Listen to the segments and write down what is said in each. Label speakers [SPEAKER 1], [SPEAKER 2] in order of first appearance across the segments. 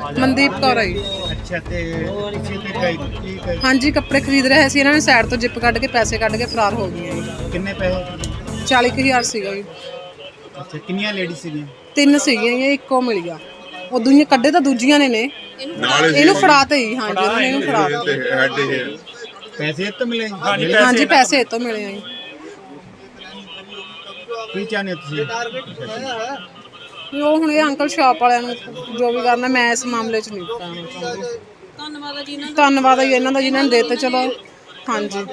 [SPEAKER 1] ਮਨਦੀਪ ਕੌਰ ਹੈ ਜੀ।
[SPEAKER 2] ਅੱਛਾ ਤੇ ਕਿਸੇ ਤੇ ਗਈ ਠੀਕ
[SPEAKER 1] ਹਾਂਜੀ ਕੱਪੜੇ ਖਰੀਦ ਰਹੇ ਸੀ, ਇਹਨਾਂ ਨੇ ਸਾਈਡ ਤੋਂ ਜਿੱਪ ਕੱਢ ਕੇ ਪੈਸੇ ਕੱਢ ਕੇ ਫਰਾਰ ਹੋ ਗਏ ਜੀ।
[SPEAKER 2] ਕਿੰਨੇ ਪੈਸੇ?
[SPEAKER 1] 40,000 ਸੀਗਾ ਜੀ।
[SPEAKER 2] ਅੱਛਾ ਕਿੰਨੀਆਂ ਲੇਡੀ ਸੀਗੀਆਂ?
[SPEAKER 1] 3 ਸੀਗੀਆਂ ਜੀ, ਇੱਕੋ ਮਿਲ ਗਿਆ। ਉਹ ਦੂਜੀਆਂ ਕੱਢੇ ਤਾਂ ਦੂਜੀਆਂ ਨੇ ਇਹਨੂੰ ਫੜਾਤੇ ਜੀ। ਹਾਂਜੀ ਉਹਨਾਂ ਨੇ ਇਹਨੂੰ ਫੜਾਤੇ।
[SPEAKER 2] ਪੈਸੇ ਇਹ ਤੋਂ ਮਿਲੇ?
[SPEAKER 1] ਹਾਂਜੀ ਪੈਸੇ ਇਹ ਤੋਂ ਮਿਲੇ ਆ ਜੀ।
[SPEAKER 2] ਕੀ ਚਾਹੁੰਦੇ ਹੋ ਤੁਸੀਂ?
[SPEAKER 1] ਉਹ ਹੁਣ ਇਹ ਅੰਕਲ ਸ਼ਾਪ ਵਾਲਿਆਂ ਨੂੰ ਜੋ ਵੀ ਕਰਨਾ, ਮੈਂ ਇਸ ਮਾਮਲੇ 'ਚ ਨਹੀਂ ਪਾਉਣਾ ਚਾਹੁੰਦੀ। ਧੰਨਵਾਦ ਹੈ ਜੀ ਇਹਨਾਂ ਦਾ ਜਿਨ੍ਹਾਂ ਨੇ ਦੇਤੇ। ਚਲੋ ਹਾਂਜੀ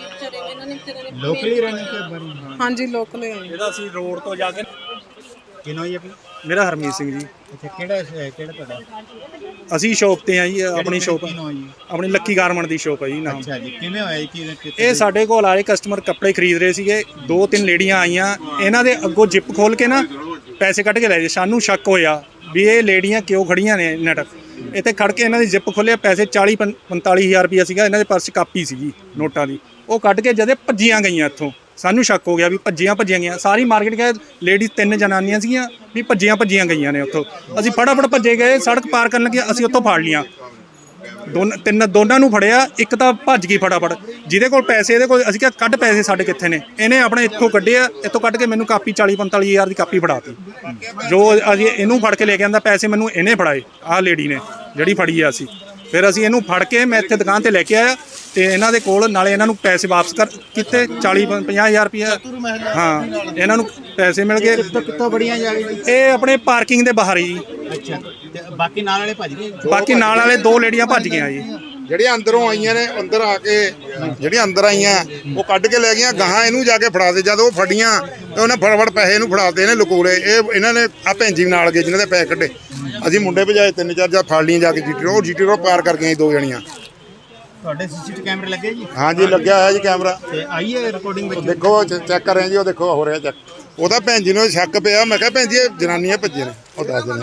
[SPEAKER 2] ਲੋਕਲੀ ਰਹਿਣੇ ਤੇ ਬਾਰੇ?
[SPEAKER 1] ਹਾਂਜੀ ਲੋਕਲ ਹੈ ਜੀ।
[SPEAKER 3] ਇਹਦਾ ਅਸੀਂ ਰੋਡ ਤੋਂ ਜਾ ਕੇ
[SPEAKER 2] ਕਿਨੋ ਜੀ ਆਪਣੀ?
[SPEAKER 3] ਮੇਰਾ ਹਰਮੀਤ ਸਿੰਘ ਜੀ।
[SPEAKER 2] ਅੱਛਾ ਕਿਹੜਾ ਤੁਹਾਡਾ?
[SPEAKER 3] ਅਸੀਂ ਸ਼ੌਪ ਤੇ ਆ ਜੀ, ਆਪਣੀ ਸ਼ੌਪ
[SPEAKER 2] ਕਿਨੋ ਜੀ?
[SPEAKER 3] ਆਪਣੀ ਲੱਕੀ ਗਾਰਮੈਂਟ ਦੀ ਸ਼ੌਪ ਹੈ ਜੀ ਨਾਮ।
[SPEAKER 2] ਅੱਛਾ ਜੀ ਕਿਵੇਂ ਹੋਇਆ ਜੀ?
[SPEAKER 3] ਇਹ ਸਾਡੇ ਕੋਲ ਆਏ ਕਸਟਮਰ ਕੱਪੜੇ ਖਰੀਦ ਰਹੇ ਸੀਗੇ, 2-3 ਲੇਡੀਆਂ ਆਈਆਂ, ਇਹਨਾਂ ਦੇ ਅੱਗੋਂ ਜਿੱਪ ਖੋਲ ਕੇ ਨਾ ਪੈਸੇ ਕੱਢ ਕੇ ਲੈ ਗਏ। ਸਾਨੂੰ ਸ਼ੱਕ ਹੋਇਆ ਵੀ ਇਹ ਲੇਡੀਆਂ ਕਿਉਂ ਖੜੀਆਂ ਨੇ ਨਟ ਇੱਥੇ ਖੜ ਕੇ। ਇਹਨਾਂ ਦੀ ਜਿੱਪ ਖੋਲਿਆ, ਪੈਸੇ 40-45,000 ਰੁਪਇਆ ਸੀਗਾ ਇਹਨਾਂ ਦੇ ਪਰਸ 'ਚ, ਕਾਪੀ ਸੀਗੀ ਨੋਟਾਂ ਦੀ। ਉਹ ਕੱਢ ਕੇ ਜਦੇ ਭੱਜੀਆਂ ਗਈਆਂ ਇੱਥੋਂ। ਸਾਨੂੰ ਸ਼ੱਕ ਹੋ ਗਿਆ ਵੀ ਭੱਜੀਆਂ ਗਈਆਂ। ਸਾਰੀ ਮਾਰਕੀਟ ਗਏ, ਲੇਡੀਜ਼ 3 ਜਨਾਨੀਆਂ ਸੀਗੀਆਂ ਵੀ ਭੱਜੀਆਂ ਗਈਆਂ ਨੇ ਉੱਥੋਂ। ਅਸੀਂ ਫਟਾਫਟ ਭੱਜੇ ਗਏ, ਸੜਕ ਪਾਰ ਕਰਨ ਲੱਗੇ, ਅਸੀਂ ਉੱਥੋਂ ਫੜ ਲੀਆਂ। ਦੋਨਾਂ ਨੂੰ ਫੜਿਆ, ਇੱਕ ਤਾਂ ਭੱਜ ਗਈ ਫਟਾਫਟ। ਜਿਹਦੇ ਕੋਲ ਪੈਸੇ ਇਹਦੇ ਕੋਲ, ਅਸੀਂ ਕਿਹਾ ਕੱਢ ਪੈਸੇ ਸਾਡੇ ਕਿੱਥੇ ਨੇ। ਇਹਨੇ ਆਪਣੇ ਇੱਥੋਂ ਕੱਢਿਆ, ਇੱਥੋਂ ਕੱਢ ਕੇ ਮੈਨੂੰ ਕਾਪੀ 40-45,000 ਦੀ ਕਾਪੀ ਫੜਾਤੀ। ਜੋ ਅਸੀਂ ਇਹਨੂੰ ਫੜ ਕੇ ਲੈ ਕੇ ਆਂਦਾ, ਪੈਸੇ ਮੈਨੂੰ ਇਹਨੇ ਫੜਾਏ, ਆਹ ਲੇਡੀ ਨੇ ਜਿਹੜੀ ਫੜੀ ਆ। ਅਸੀਂ ਫਿਰ ਅਸੀਂ ਇਹਨੂੰ ਫੜ ਕੇ ਮੈਂ ਇੱਥੇ ਦੁਕਾਨ ਤੇ ਲੈ ਕੇ ਆਇਆ ਤੇ ਇਹਨਾਂ ਦੇ ਕੋਲ ਨਾਲੇ ਇਹਨਾਂ ਨੂੰ ਪੈਸੇ ਵਾਪਸ ਕੀਤੇ 40-50,000 ਰੁਪਇਆ। ਹਾਂ ਇਹਨਾਂ ਨੂੰ ਪੈਸੇ ਮਿਲ ਗਏ।
[SPEAKER 2] ਕਿੱਥੋਂ ਬੜੀਆਂ ਜਾ ਰਹੀ?
[SPEAKER 3] ਇਹ ਆਪਣੇ ਪਾਰਕਿੰਗ ਦੇ ਬਾਹਰ ਜੀ।
[SPEAKER 2] ਅੱਛਾ ਤੇ ਬਾਕੀ ਨਾਲ ਵਾਲੇ ਭੱਜ ਗਏ?
[SPEAKER 3] ਬਾਕੀ ਨਾਲ ਵਾਲੇ 2 ਲੇਡੀਆਂ ਭੱਜ ਗਈਆਂ ਜੀ।
[SPEAKER 4] ਜਿਹੜੀਆਂ ਅੰਦਰੋਂ ਆਈਆਂ ਨੇ, ਅੰਦਰ ਆ ਕੇ ਜਿਹੜੀਆਂ ਅੰਦਰ ਆਈਆਂ ਉਹ ਕੱਢ ਕੇ ਲੈ ਗਈਆਂ। ਗਾਹਾਂ ਇਹਨੂੰ ਜਾ ਕੇ ਫੜਾ ਦੇ। ਜਦ ਉਹ ਫੜੀਆਂ ਤੇ ਉਹਨੇ ਫਟਾਫਟ ਪੈਸੇ ਇਹਨੂੰ ਫੜਾਤੇ, ਇਹਨੇ ਲੁਕੋਲੇ। ਇਹਨਾਂ ਨੇ ਆ ਭੈਣ ਜੀ ਨਾਲ ਗਏ ਜਿਨ੍ਹਾਂ ਦੇ ਪੈਸੇ ਕੱਢੇ। ਅਸੀਂ ਮੁੰਡੇ ਭਜਾਏ 3-4 ਜਾਂ ਫੜ ਲਈਆਂ ਜਾ ਕੇ ਜੀਟੀ ਰੋਡ ਪਾਰ ਕਰ ਗਈਆਂ 2 ਜਣੀਆਂ।
[SPEAKER 2] ਤੁਹਾਡੇ ਸੀਸੀਟੀਵੀ ਕੈਮਰੇ ਲੱਗੇ ਜੀ?
[SPEAKER 4] ਹਾਂਜੀ ਲੱਗਿਆ ਹੋਇਆ ਜੀ ਕੈਮਰਾ।
[SPEAKER 2] ਤੇ ਆਈ ਹੈ ਰਿਕਾਰਡਿੰਗ ਵਿੱਚ?
[SPEAKER 4] ਦੇਖੋ ਚੈੱਕ ਕਰ ਰਹੇ ਜੀ, ਉਹ ਦੇਖੋ ਹੋ ਰਿਹਾ ਚੈੱਕ। ਉਹਦਾ ਭੈਣ ਜੀ ਨੂੰ ਸ਼ੱਕ ਪਿਆ। ਮੈਂ ਕਿਹਾ ਭੈਣ ਜੀ ਇਹ ਜਨਾਨੀਆਂ ਭੱਜੇ ਨੇ, ਉਹ ਦੱਸ ਦਿੰਦੇ।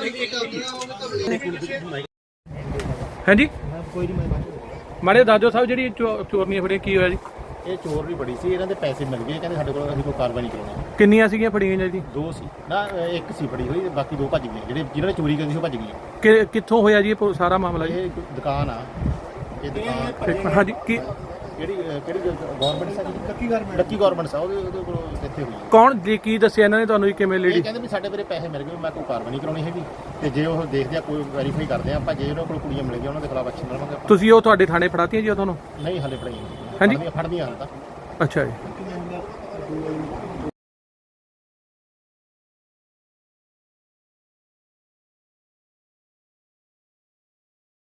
[SPEAKER 3] ਹਾਂਜੀ ਮਾਰੇ ਦਾਦੋ ਸਾਹਿਬ, ਜਿਹੜੀ ਚੋਰਨੀਆਂ ਫੜੀਆਂ ਕੀ ਹੋਇਆ ਜੀ?
[SPEAKER 5] ਇਹ ਚੋਰ ਵੀ ਬੜੀ ਸੀ, ਇਹਨਾਂ ਦੇ ਪੈਸੇ ਮਿਲ ਗਏ। ਕਹਿੰਦੇ ਸਾਡੇ ਕੋਲ ਅਸੀਂ ਕੋਈ ਕਾਰਵਾਈ ਨਹੀਂ ਕਰਾਉਣੀ।
[SPEAKER 3] ਕਿੰਨੀਆਂ ਸੀਗੀਆਂ ਫੜੀਆਂ ਜੀ?
[SPEAKER 5] 2 ਸੀ ਨਾ, ਇੱਕ ਸੀ ਫੜੀ ਹੋਈ, ਬਾਕੀ 2 ਭੱਜ ਗਏ। ਜਿਨ੍ਹਾਂ ਨੇ ਚੋਰੀ ਕੀਤੀ ਸੀ ਉਹ ਭੱਜ ਗਏ।
[SPEAKER 3] ਕਿੱਥੋਂ ਹੋਇਆ ਜੀ ਇਹ ਸਾਰਾ ਮਾਮਲਾ ਜੀ?
[SPEAKER 5] ਇਹ ਦੁਕਾਨ ਆ, ਇਹ ਦੁਕਾਨ
[SPEAKER 3] ਹਾਂਜੀ ਕੀ
[SPEAKER 5] ਕਿਹੜੀ ਗਵਰਨਮੈਂਟ ਸਾ? ਲੱਕੀ ਗਵਰਨਮੈਂਟ ਸਾ, ਉਹਦੇ ਕੋਲ ਇੱਥੇ ਹੋਈ।
[SPEAKER 3] ਕੌਣ ਜੀ ਕੀ ਦੱਸਿਆ ਇਹਨਾਂ ਨੇ ਤੁਹਾਨੂੰ ਜੀ? ਕਿਵੇਂ ਲੇਡੀ?
[SPEAKER 5] ਇਹ ਕਹਿੰਦੇ ਵੀ ਸਾਡੇ ਮੇਰੇ ਪੈਸੇ ਮਿਲ ਗਏ, ਮੈਂ ਕੋਈ ਕਾਰਵਾਈ ਨਹੀਂ ਕਰਾਉਣੀ ਹੈਗੀ। ਤੇ ਜੇ ਉਹ ਦੇਖਦੇ ਆ ਕੋਈ ਵੈਰੀਫਾਈ ਕਰਦੇ ਆ ਆਪਾਂ, ਜੇ ਉਹਨਾਂ ਕੋਲ ਕੁੜੀਆਂ ਮਿਲ ਗਈਆਂ ਉਹਨਾਂ ਦੇ ਖਿਲਾਫ ਐਕਸ਼ਨ ਲਵਾਂਗੇ ਆਪਾਂ।
[SPEAKER 3] ਤੁਸੀਂ ਉਹ ਤੁਹਾਡੇ ਥਾਣੇ ਫੜਾਤੀਆਂ ਜੀ ਉਹ ਤੁਹਾਨੂੰ?
[SPEAKER 5] ਨਹੀਂ ਹਾਲੇ
[SPEAKER 3] ਹਾਂਜੀ
[SPEAKER 5] ਫੜਦੀਆਂ ਹਾਲੇ ਤਾਂ।
[SPEAKER 3] ਅੱਛਾ ਜੀ।